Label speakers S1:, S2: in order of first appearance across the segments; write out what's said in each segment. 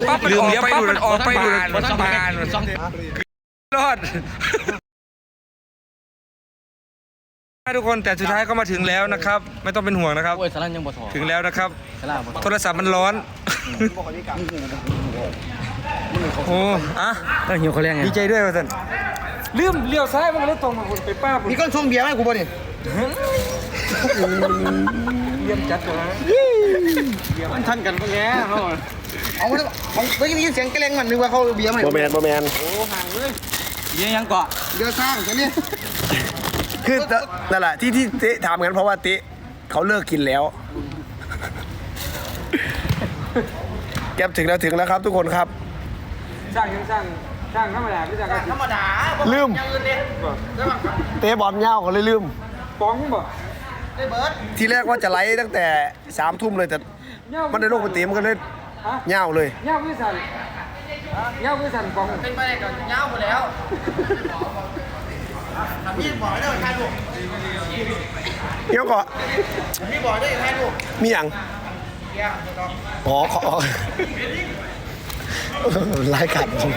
S1: ปั๊บลืมเลี้ยวปั๊บมันออกไปดูมันบานรอดทุกคนแต่สุดท้ายก็มาถึงแล้วนะครับไม่ต้องเป็นห่วงนะครับถึงแล้วนะครับโทรศัพท์มันร้อนโอ้อะ
S2: ต้องหิวเขาเรียกไง
S1: ดีใจด้วยว่าท่านลืมเลี้ยวซ้ายมันรถตรงมาคุณไปป้าคุณ
S3: มีก้อนชงเบียร์ไหมกูบ่เนี่ย
S1: เยี่ยมจัดเลย
S2: มันทันกันก็แง่เขา
S3: เอาได้ยินเสียงแกล้งมันนึกว่าเขาเบียร์ไหม
S4: โมแมนโมแมน
S2: โอ้ห่างเลยยังเกาะ
S3: เดือดข้างใช่ไหม
S4: คือนั่นแหละที่เตะถามกันเพราะว่าเตะเขาเลิกกินแล้วแก๊ปถึงแล้วครับทุกคนครับ
S1: ช่างธรรมดาไม่ช่าง
S3: ธรรมดา
S4: ลืมเตะบอลเงาเขาเลยลืม
S1: ป้องบ่
S4: ทีแรกว่าจะไลฟ์ตั้งแต่3 ทุ่มเลยแต่มันในโลกปกติมันก็เลยเงาเลย
S1: เงาไม่สั่นป้อง
S3: เป็นไปได้ก่อนเงาหมดแล้วพี่บอกได้ใครลูก
S4: เดี๋ยวก่อน
S3: พี่บอกได้ใครลูก
S4: มีอย่างอ๋อขอรายการจริง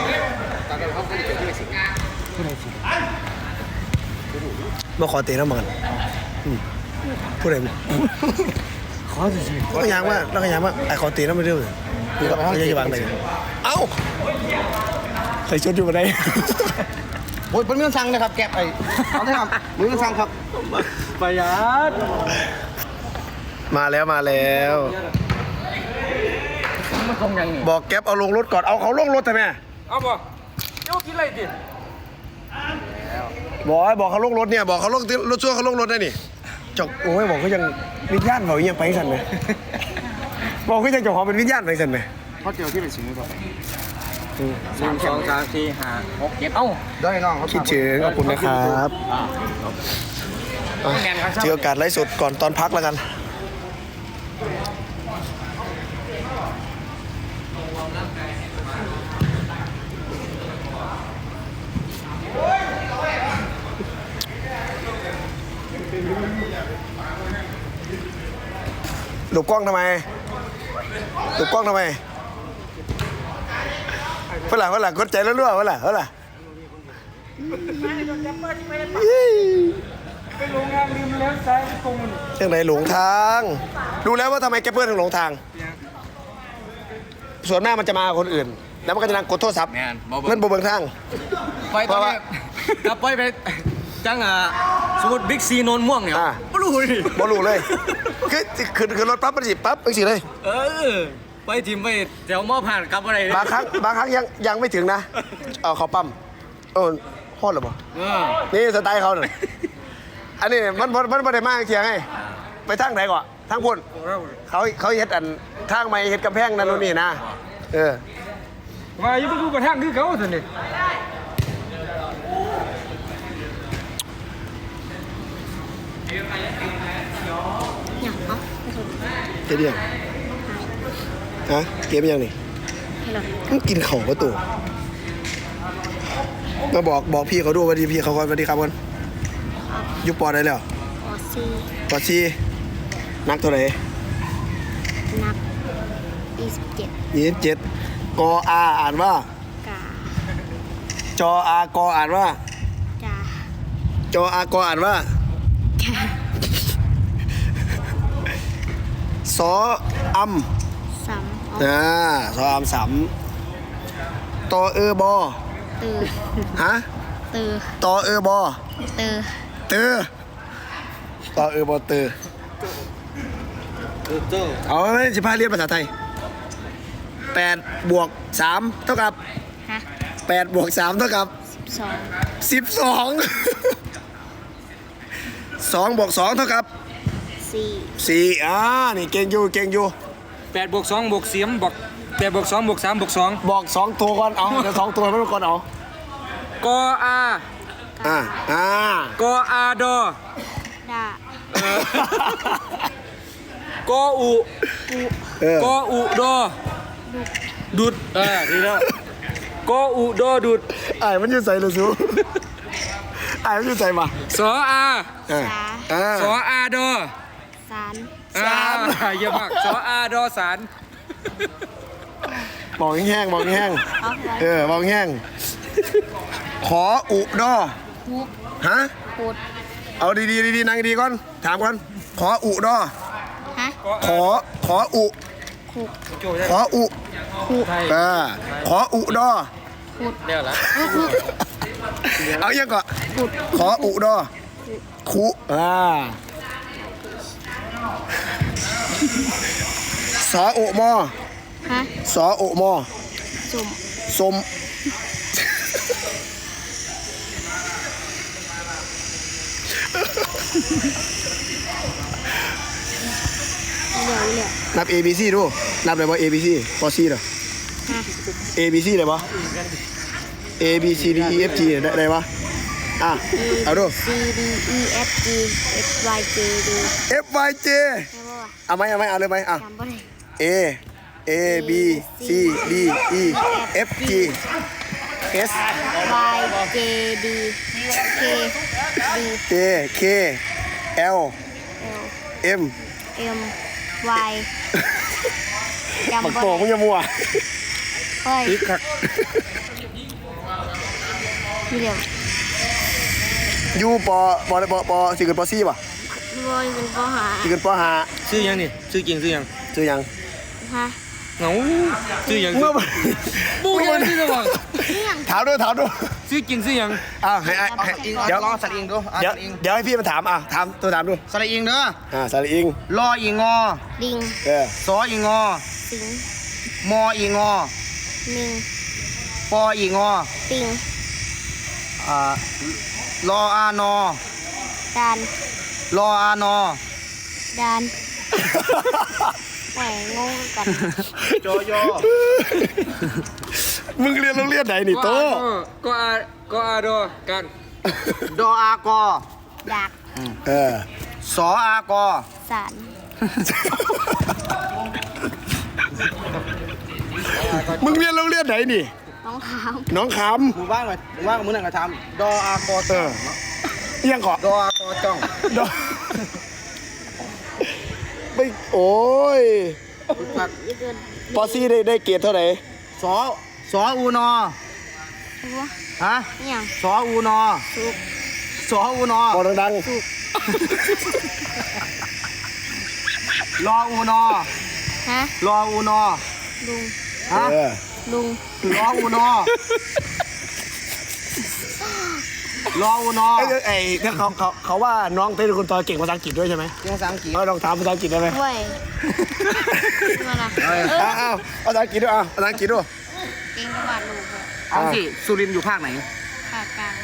S4: มาขอเตะน้ำมันพูดอะไร
S2: ขอจริง
S4: ๆก็ยังว่าไอ้ขอเตะน้ำมันเรื่องคือกับเขาจะวางไหนเอ้าใส่ชุดอยู่มาได้
S3: โอ้ยเป็นเรื่องสั่งนะครับแก็บไอ้เอาได้ครับเรื่องสั่งครับ
S2: ประหยัด
S4: มาแล้ว
S2: มันคงยัง
S4: บอกแก๊ปเอาลงรถก่อนเอาเขาลงรถทำไม
S1: เอาบ่เจ้ากินอะไรดิ
S4: บอกเขาลงรถเนี่ยบอกเขาลงรถชั่วเขาลงรถได้นี่จกโอ้ยบอกเขายังวิญญาณเขายังไปสั่นไหมบอกเขายังจกเขาเป็นวิญญาณไปสั่นไหม
S3: เขาเจอที่เป็นสิ่งนี้ครับ
S2: 1 2 3 4 5 6 7เอ้า
S3: ได้น้อง
S4: คิดถึงขอบคุณนะครับเจอโอกาสไลฟ์สดก่อนตอนพักแล้วกันหลบกล้องทำไมเพื่อนหลังกดใจแล้วรั่วเพื่อนหลัง
S1: ไปโรงงานลืมแล้วซ้ายตรงมัน
S4: เรื่องไหนหลงทางดูแล้วว่าทำไมแกเพื่อนถึงหลงทางส่วนหน้ามันจะมาคนอื่นแล้วมันก็จะนั่งกดโทรศัพท์เพื่อนโบเบิงทาง
S2: ไปตอนนี้กลับไปจังสมมติบิ๊กซีนนม่วงเนี่ยไม่รู้
S4: เลยคือรถปั๊บมันสิปั๊บเป็นสิเลย
S2: ไปทีมไปแถวมอผ่านกลับอะไร
S4: บางครั้งยังไม่ถึงนะเขาปั๊มฮอดหรือเปล่านี่สไตล์เขาหน่อยอันนี้มันไม่ได้มากเทียงไงไปทางไหนก่อนทางพุ่นเขาเฮ็ดอันทางไม้เฮ็ดกำแพงนั่นนี่นะ
S1: มาอยู่ไปดูกระทั่งคือเขาสินี่
S4: เกมยังฮะเกมยังนี่มันกินเข่าประตูมาบอกพี่เขาดูวันดีพี่เขาก่อนวันดีครับคนยุบปอได้แล้วปอซีนักตัวไหน
S5: นัก
S4: 27กออาอ่านว่ากาจออากออ่านว่าจออากออ่านว่าสออัม
S5: สาม
S4: สออัม3ตอบอฮะตอบอตอบอเอาไหมสิพาเรียนภาษาไทย8 บวก 3 เท่ากับ8 บวก 3 เท่ากับ12 2 บวก 2 เท่ากับ4นี่เก่งอยู่
S1: 8 บวก 2 บวก4บอก8 บวก 2 บวก 3 บวก 2
S4: บอก2ตัวก่อนเอาเดี๋ยว2ตัวไม่ต้องก่อนเอา
S1: กอากออาดอกออุดอดุดดีแล้วกออุดอดุด
S4: มันอยู่ใส่เลยซูมันอยู่ใส่มา
S1: สออาดอ
S5: สาร
S1: เยอะมากสออาดอสาร
S4: บอกแห้งๆบอกแห้ง
S5: เอาไว้
S4: ๆบอกแห้งขออุดอ
S5: หุก
S4: ฮะ
S5: ขุด
S4: เอาดีๆนั่งดีๆก่อนถามก่อนขออุดอ
S5: ฮะ
S4: ขออุ
S5: ขุด
S4: ขออุ
S5: ขุด
S4: ขออุดอ
S5: ขุด
S1: เดี๋ยวละ
S4: เอายังก่อน
S5: ขุด
S4: ขออุดอคุสออุมอ
S5: ฮะ
S4: สออุมอ
S5: สุ่ม
S4: สม
S5: เหลี่ยว
S4: นับ A B C ดูนับเลยว่า A B C พอ C เหรอ
S5: ฮะ
S4: A B C เลยปะ A B C D E F G ได้ปะอ่ะเอาดู
S5: C D E F G H Y J D
S4: F Y J
S5: ใช่ป่ะ
S4: เอาไหมเอาเลยไหมอ่ะ
S5: จำบ่ได้
S4: A B C D E F G S
S5: Y J D K D
S4: J K L
S5: L
S4: M
S5: M Y
S4: บัก
S5: จำบ่
S4: โตมึง
S5: ได้
S4: จะมัว
S5: เฮ้ย
S4: อีกคัก
S5: เหลี่ยว
S4: ยูปสี่เกินปซี่ป่ะ
S5: บอยเป็นข้อหา
S4: สี่เกินปห้า
S1: ชื่อยังนี่ชื่อจริงชื่อยัง
S4: ชื่อยัง
S5: ฮะ
S1: เหงาชื่อยัง
S4: เมื่อ
S1: บูยังชื่อจะบอก
S4: ถามด้วย
S1: ชื่อจริงชื่อยัง
S4: อ้าวให้เดี๋ยว
S3: ลองสัตว์อิงดู
S4: เดี๋ยวให้พี่มาถามอ่ะถามดู
S3: สัตว์อิงเด้อ
S4: สาระอิง
S3: รออีงอ
S5: ลิง
S3: สออีงอ
S5: สิง
S3: มออีงอ
S5: มิง
S3: ปออีงอ
S5: ปิง
S3: รออานอ
S5: ดาน
S3: รออานอ
S5: ดานแหวงงกัน
S3: จอยอ
S4: มึงเรียนโรงเรียนไหนนี่โต
S1: ก็อาโดกัน
S3: ดออากอ
S5: ดัก
S3: สออากอ
S5: สาร
S4: มึงเรียนโรงเรียนไหนนี่
S5: น้องขาว
S4: น้องค
S3: หมู่บ้านหน่อยหมู่บ้านกับมึงนั่งกระทำดออากอ
S4: ำเอียงเกาะ
S3: ดออากอจ้อง
S4: ดอกไม่โอ้ย
S5: ยี่เกิน
S4: ปอซี่ได้เกรดเท่าไหร่
S3: สออูนอ
S5: หัว
S3: ฮะ
S5: นี่ยัง
S3: สออูนอ
S5: สุก
S3: สออูนอ
S4: บอกดัง
S3: รออูนอ
S5: ฮะ
S3: รออูนอ
S5: ลุง
S3: ฮะ
S5: ลุง
S3: รออูนอรออูนอ
S4: ไอ้เนี่ยเขาว่าน้องเป็นคนตอเก่งภาษาอังกฤษด้วยใช่ไหม
S3: เรียนภาษาอังกฤษ
S4: ลองถามภาษาอังกฤษได้ไหม
S5: เว้ยมาละ
S4: อ้าวภาษาอังกฤษด้วยภาษาอังกฤษด้วย
S5: เก่งกว่าลูกเลย
S3: เอาสิสุรินทร์อยู่ภาคไหน
S5: ภาคกลาง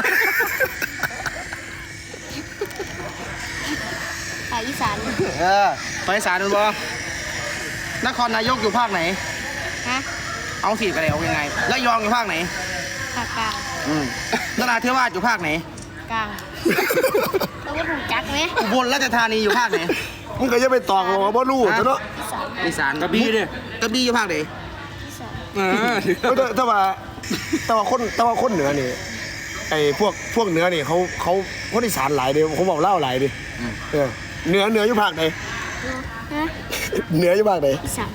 S5: ภาคอีสาน
S3: ไปอีสานดูบ่นครนายกอยู่ภาคไหน
S5: ฮะ
S3: เอาสิกันเลยเอายังไงและยองอยู่ภาคไหน
S5: ภาคกลาง
S3: นราธิวาสอยู่ภาคไหน
S5: กลางแล้วก็ถูกจักไหม
S3: อุบลราชธานีอยู่ภาคไหน
S4: มึงก็จะไปตอกว่าบ่รู้เนาะ
S5: อีสาน
S3: อีสาน
S1: กระบี่เนี่ย
S3: กระบี่อยู่ภาคไหน
S5: อีสาน
S4: แต่ว่าคนเหนือนี่ไอ้พวกเหนือนี่เขาคนอีสานหลายเดียวเขาบอกเล่าหลายดิเหนืออยู่ภาคไหน
S5: ฮะ
S4: เหนืออยู่ภาคไหน
S5: อีสาน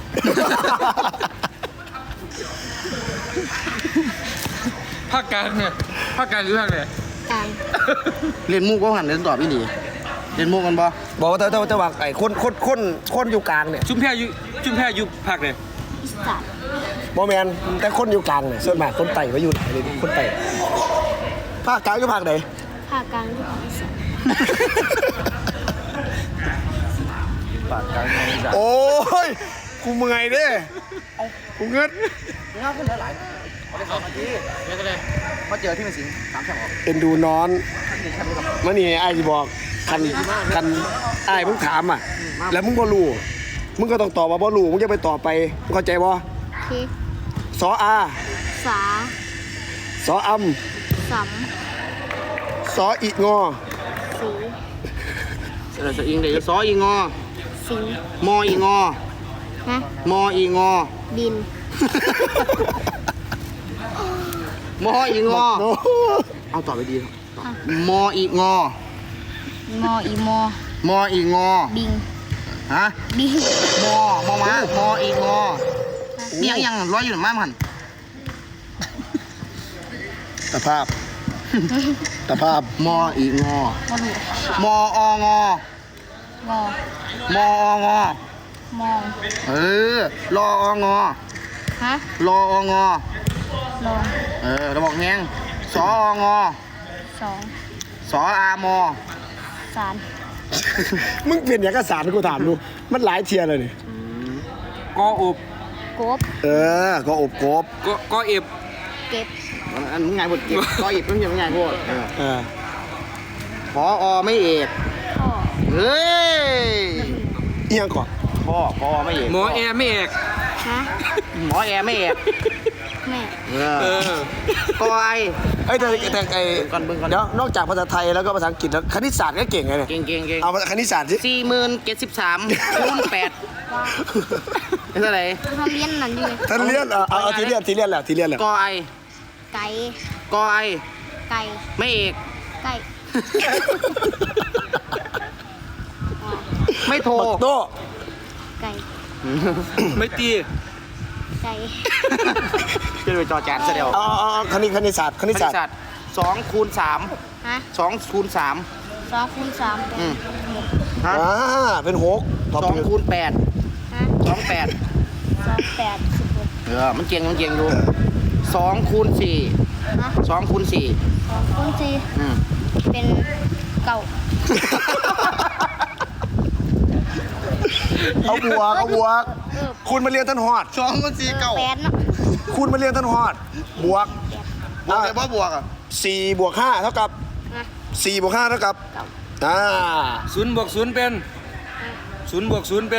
S1: ภาคกลางเนี่ยภาคกลางหรือภาคไหน
S5: กลาง
S3: เรียนมุกก็หันเรียนตอบอีหลีเรียนมุกกันบ่
S4: บอกว่าแต่ว่าไอ้คนอยู่กลางเนี่ย
S1: ชุมแพอยู่ภาคไหน
S5: อีสาน
S4: บอแมนแต่คนอยู่กลางเนี่ยส่วนมากคนไต่ก็อยู่ไหนเลยคนไต่ภาคกลางอยู่ภาคไหน
S5: ภาคกลางที่ภาคอีสาน
S4: โอ้ยกูเมื่อยเด้กูเงิน
S3: งาขึ้นหลายเอาได้2 นาทีมาเจอที่มันสิง3 แฉกออก
S4: เอ็นดูนอนมันนี่ไอ้ที่บอกคันไอ้มึงถามอ่ะแล้วมึงบ่รู้มึงก็ต้องตอบว่าบ่รู้มึงจะไปตอบไปมึงเข้าใจบ่
S5: โอเค
S4: สออา
S5: สา
S4: สออำ
S5: สัม
S4: สออีงอ
S5: สี
S3: สะอิงเดี๋ยวซออีงอ
S5: สิง
S3: มออีงอ
S5: ฮะ
S3: มออีงอ
S5: บิน
S3: มออีงอ
S4: โอ้
S3: เอาตอบไปดีมออีงอ
S5: งออีมอ
S3: มออีงอ
S5: บิง
S3: ฮะ
S5: บิง
S3: มอม้ามออีงอยังร้อยอยู่มากมัน
S4: ตะภาพตะภาพ
S3: มออีงอ
S5: มาดู
S3: มอององ
S5: อ
S3: มอองอ
S5: มอง
S3: รอองอ
S5: ฮะ
S3: รอองอ
S5: ลอง
S3: ระบอกแหงสอองอ
S5: สอง
S3: สออามอ
S5: สาม
S4: มึงเปลี่ยนอย่างกสารกูถามดูมันหลายเทียร์เลยนี่
S1: กออุบ
S5: กบ
S4: ก็อบกบ
S1: กอเอฟ
S5: เก็บ
S3: อันมึงไงบทเก็บก็อีกมึงยังไงพวก พอไม่เอก
S5: พ่อ
S3: เฮ้ย
S4: เอียงก่อน
S3: พ่อไม่เอก
S1: หมอแอร์ไม่เอก
S5: ฮะ
S3: หมอแอร์ไม่เอก
S5: แม่
S3: ก็ไอ
S4: เอ้ยแต่ไอ้
S3: ก่อนเบิ่งก่อน
S4: เดี๋ยวนอกจากภาษาไทยแล้วก็ภาษาอังกฤษแล้วคณิตศาสตร์ก็เก่งไงเนี่ย
S3: เก่ง
S4: เอาคณิตศาสตร์สิ
S3: 40,073คูณ8เป็นเท่าไหร่
S5: ทำเลี้ยนนั่นอยู่เลย
S4: ท่านเรียนเอาทีเรียนแหละ
S3: ก็ไอ
S5: ไก่
S3: ก็ไอ
S5: ไก่
S3: ไม่เอก
S5: ไก่
S3: ไม่โทร
S4: บักโต้
S5: ไก่
S1: ไม่ตี
S5: ไก่
S3: เป็นไปจอจานซะเดียว
S4: เอาคณิตศาสตร์
S3: คณิตศาสตร์2คูณ3
S5: ฮะ
S3: 2คูณ3
S5: 2 คูณ 3เป็น
S3: ฮะ
S4: เป็น6ตอบถูก
S3: 2คูณ8
S5: ฮะ
S3: 28
S5: 2 8 16
S3: มันเก่งอยู่2คูณ4
S5: ฮะ
S3: 2คูณ4
S5: 2 คูณ 4เป็นเก่า
S4: เอาบวกคุณมาเรียนท่านฮอด
S3: 2คูณ4เก่า
S5: 8เนาะ
S4: คุณมาเรียนท่านฮอดบวก
S3: บวกเลยว่าบวกอ่ะ
S4: 4 บวก 5 เท่ากับ
S5: ฮะ
S4: 4 บวก 5 เท่ากับ
S5: เก่า
S1: ศูนย์บวกศูนย์เป็นศูนย์บวกศูนย์เป็น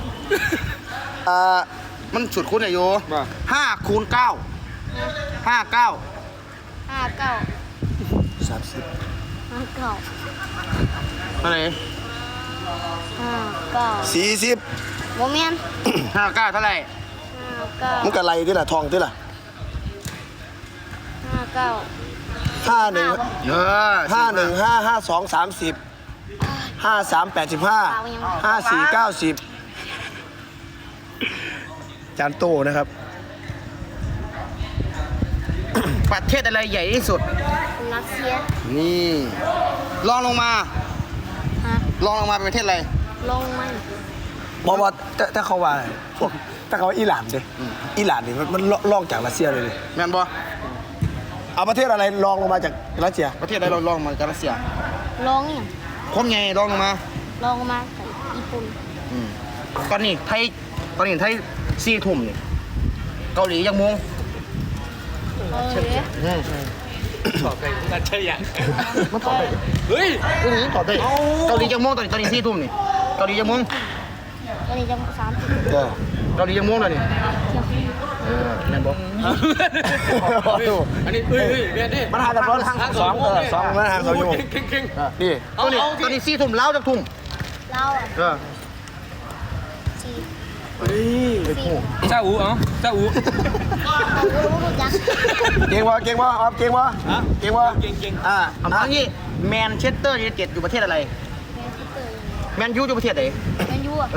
S3: มันสุดคูณอายุ
S1: ว่า
S3: 5คูณ9 59
S5: 5 9
S4: 30
S5: 5 9
S3: เท่าไหร่
S5: 5 9
S4: 40
S5: โมเมนต์
S3: 59เท่าไหร่
S5: 5
S4: มัน
S5: 9
S4: ก็ไรที่ละทองที่ละ
S5: 5 9
S4: 51
S3: เออ
S4: 51 5 52 30 53 85 54 90จานโตนะครับ
S3: ประเทศอะไรใหญ่ที่สุด
S5: รัสเซีย
S3: นี่ลองลงมา
S5: ฮะ
S3: ลองลงมาเป็นประเทศอะไร
S5: ลงมัน
S4: เพราะว่าถ้าเขาว่าพวกถ้าเขาว่าอิหร่านดิอิหร่านนี่มันลองจากรัสเซียเลยดิ
S3: แมนบอ
S4: เอาประเทศอะไรลองลงมาจากรัสเซีย
S3: ประเทศอะไรเราลองมาจากรัสเซีย
S5: ลงอย่าง
S3: คนไงลองลงมา
S5: ลงมาจากญี่ปุ่น
S3: ตอนนี้ไทย4 ทุ่มนี่เกาหลียังโมง
S1: ตอบไปนัดใช่ยัง
S3: มันตอบได้
S1: เฮ้ย
S3: ตอบได้เกาหลียังโมงตอนนี้4 ทุ่มนี่เกาหลียังโมง
S5: วันนี้จะ30
S3: เกาหลียังโมงแล้วนี่
S5: เที่ยว
S3: แมนบอ
S1: อันนี้เฮ้ยเบียดดิ
S4: มันห่างกันร้อนสองมันห่าง2 ชั่วโมง
S1: เก่ง
S3: นี่
S1: เอา
S3: ตอนนี้4 ทุ่มเล้าจากทุ่ม
S5: เราอ่ะ4
S1: เจ้าอู๋เอาเจ้าอู๋
S5: รู้จัก
S4: เก่งวะเก่งวะออฟเก่งวะเก่งวะ
S1: เก่ง
S3: เอามางี้แมนเชสเตอร์ยูไนเต็ดอยู่ประเทศอะไร แมนยูอยู่ประเทศไหน
S5: แมนยูอ่ะ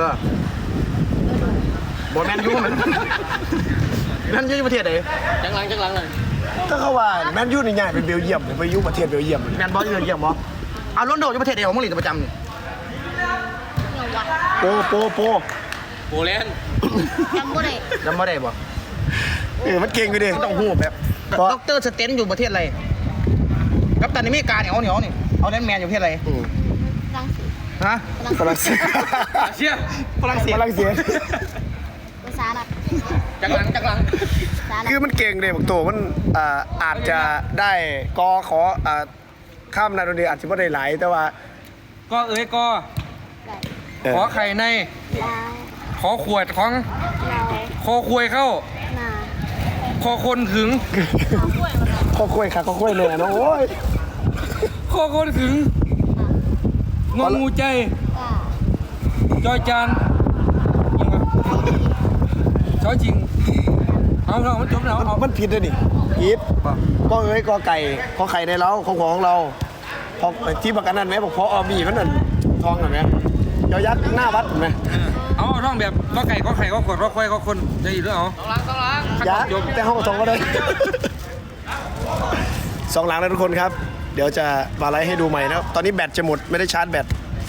S3: บอแมนยูมันแมนยูอยู่ประเทศไหน
S1: จังหลังเลย
S4: ถ้าเขาว่าแมนยูนี่ง่ายเป็นเบลเยียมไปยุประเทศเบลเยียม
S3: แมนบอลอยู่เยี่ยมบอเอาลอนโดอยู่ประเทศไหนของมึงหลีกประจำนี่
S5: เนี่ยวัด
S4: โป
S1: โปแลนด์
S5: จำบ่ได้
S3: จำไม่ได้บ่
S4: มันเก่งไปดิ
S3: ต้องหูแบบด็อกเตอร์สเตนอยู่ประเทศอะไรกัปตันอเมริกาเนี่ยเอานี่เอาแลนด์แมนอยู่ประเทศอะไร
S5: ฝรั่งเศส
S3: ฮะ
S4: ฝรั่งเศส
S1: เชีย
S3: ฝรั่งเศส
S4: ฝรั่งเศส
S5: ภาษาหลัก
S1: จังหลัง
S5: ภาษาหลัก
S4: คือมันเก่งเลยบอกตัวมันอาจจะได้กอขอข้ามนาโดนีอาจจะไม่ได้หลายแต่ว่า
S1: ก็เอ้ยก็
S5: ได้
S1: ขอไข่ใน
S5: ลา
S1: ขอขวดของ
S5: เรา
S1: คอควยเข้า
S5: นา
S1: คอคนถึง
S4: ข้อคุยค่ะข้อคุยเลยนะโอ้ย
S1: คอคนถึงงองูใจ
S5: ก้า
S1: จอยจานยังไงชอจริงเอามันจบแล้วเอา
S4: มันผิดเลยนี่ผิดก็เอ้ยกอไก่ขอไข่ในเราของเราพอที่ประกันนั่นไหมบอกพออบีมันนั่นทองเห็นไหมยอยักษ์หน้าวัดเห็นไหม
S1: เอาร้องแบบก็ไก่ก็ไข่ก็ขวดก็ควายก็คนจะอีกหรือเปล่า
S4: อย่าแต่ห้องสองก็ได้สองหลังแล้วทุกคนครับ เดี๋ยวจะมาไลฟ์ให้ดูใหม่นะครับตอนนี้แบตจะหมดไม่ได้ชาร์จแบต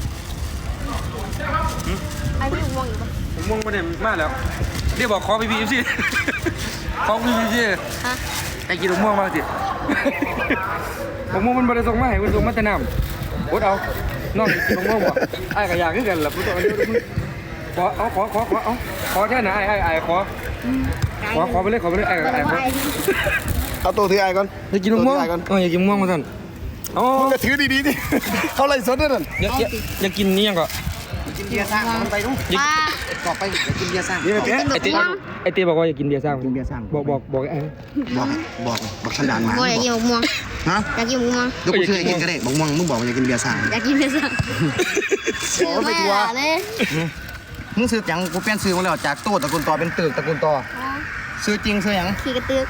S5: ไอ้พี่ม่วงอยู่ปะ
S1: ผมม่วงมาเนี่ยมากแล้วเรียกบอกขอพี่สิขอพี่สิ
S5: ฮะ
S1: ไอ้กินม่วงมากสิผมม่วงมันบริสุทธิ์มาให้คุณส่งมาแต่น้ำอดเอาน้องกินม่วงบ่ไอ้กระยาขึ้นกันแหละคุณตัวนี้ขอเอาขอแค่ไหนไอ้ขอไปเลยไอ้ขอ
S4: เอาตัวถือไอ้ก่อน
S1: อยากกินม่วงอยากกินม่วงมาสั่นอ๋อ
S4: มึงก็ถือดีๆดิเขาไล่สดด้วยนั่น
S1: อยากกินนี่ยังก็
S3: กินเบียร์สร้างมันไปดู
S5: ป้า
S3: ต่อไปอยากกินเบียร์สร้าง
S4: นี่ไอ้เจ๊
S1: ไอเต้บอกว่าอยากกินเบียร์สร้าง
S3: กินเบียร์สร้าง
S1: บอกไอ้
S3: บอกฉันด่านมา
S5: โบอยากกินหมกม่วง
S3: ฮะ
S5: อยากกินหมกม่วง
S3: เดี๋ยวกูช่วยกินก็ได้บอกม่วงมึงบอกว่าอยากกินเบียร์สร้าง
S5: อยากกินเนื้อสัตว์ซื้อไม่ได้เลย
S3: มึงซื้อหยังกูเปลี่ยนซื้อมาแล้วจากโต้ตระกูลต่อเป็นตึกตระกูลต่อซื้อจริงซื้อหยัง
S5: ขี่กระตึก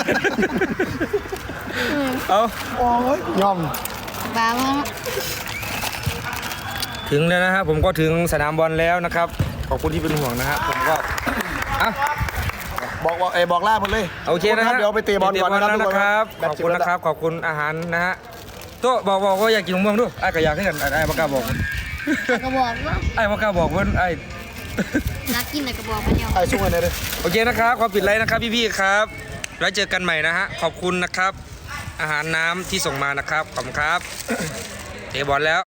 S1: เอา
S4: โอ้ยยอม
S5: บ้ามั้ง
S1: ถึงแล้วนะครับผมก็ถึงสนามบอลแล้วนะครับขอบคุณที่เป็นห่วงนะฮะผมก็อ่ะ
S4: บอกล่าหมดเลย
S1: โอเคนะฮะ
S4: เดี๋ยวไปเตะบอลก่อนนะครับ
S1: นะครับ
S4: แบ
S1: ข
S4: ต
S1: อบ
S4: จะ
S1: คุณ
S4: หมด
S1: นะครับขอบคุณอาหารนะฮะโต๊ะบอกว่าอยากกินมะม่วงด้วยไอ้ก็อยากให้กันไอ้บอกกล้าบอก
S5: กระบอกว่า
S1: ไอ้บอกกล้าบอกเพื่อนไอ้
S5: นักกินอะไรกระบอกมันเดียว
S4: ไอ้ช่วยหน่อยเลย
S1: โอเคนะครับขอปิดไลน์นะครับพี่ๆครับแล้วเจอกันใหม่นะฮะขอบคุณนะครับอาหารน้ำที่ส่งมานะครับขอบคุณครับเตะบอลแล้ว